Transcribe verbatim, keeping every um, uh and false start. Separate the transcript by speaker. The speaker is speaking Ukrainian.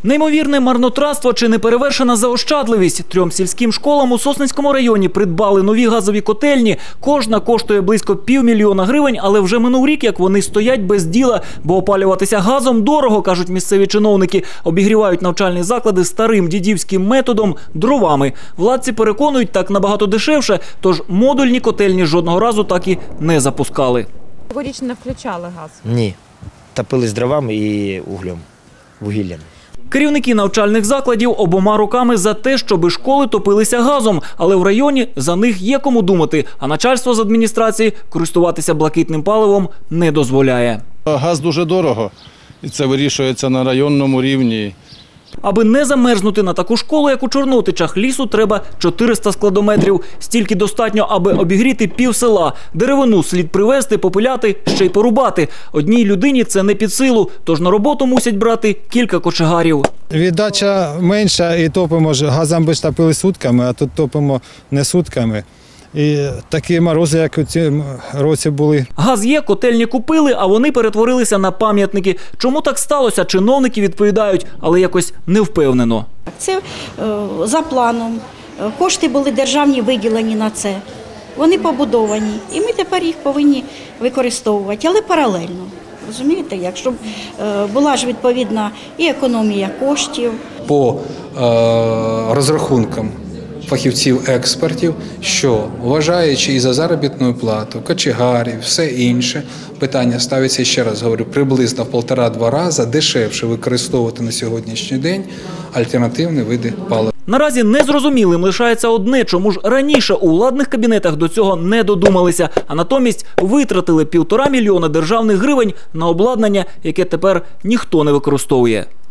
Speaker 1: Неймовірне марнотратство чи неперевершена заощадливість. Трьом сільським школам у Сосницькому районі придбали нові газові котельні. Кожна коштує близько півмільйона гривень, але вже минув рік, як вони стоять без діла, бо опалюватися газом дорого, кажуть місцеві чиновники. Обігрівають навчальні заклади старим дідівським методом – дровами. Владці переконують, так набагато дешевше, тож модульні котельні жодного разу так і не запускали.
Speaker 2: Цьогоріч не включали газ?
Speaker 3: Ні. Топили з дровами і углем, вугіллям.
Speaker 1: Керівники навчальних закладів обома руками за те, щоби школи топилися газом, але в районі за них є кому думати, а начальство з адміністрації користуватися блакитним паливом не дозволяє.
Speaker 4: Газ дуже дорого, і це вирішується на районному рівні.
Speaker 1: Аби не замерзнути на таку школу, як у Чорнотичах, лісу треба чотириста складометрів. Стільки достатньо, аби обігріти пів села. Деревину слід привезти, попиляти, ще й порубати. Одній людині це не під силу, тож на роботу мусять брати кілька кочегарів.
Speaker 5: Віддача менша і топимо, газом би топили сутками, а тут топимо не сутками. І такі морози, як у цьому році були.
Speaker 1: Газ є, котельні купили, а вони перетворилися на пам'ятники. Чому так сталося, чиновники відповідають, але якось невпевнено.
Speaker 6: Це е, за планом. Кошти були державні виділені на це. Вони побудовані. І ми тепер їх повинні використовувати, але паралельно. Розумієте, якщо б е, була ж відповідна і економія коштів.
Speaker 7: По е, розрахункам фахівців-експертів, що, вважаючи і за заробітну плату, кочегарів, все інше, питання ставиться, ще раз говорю, приблизно в півтора-два рази дешевше використовувати на сьогоднішній день альтернативні види палива.
Speaker 1: Наразі незрозумілим лишається одне, чому ж раніше у владних кабінетах до цього не додумалися, а натомість витратили півтора мільйона державних гривень на обладнання, яке тепер ніхто не використовує.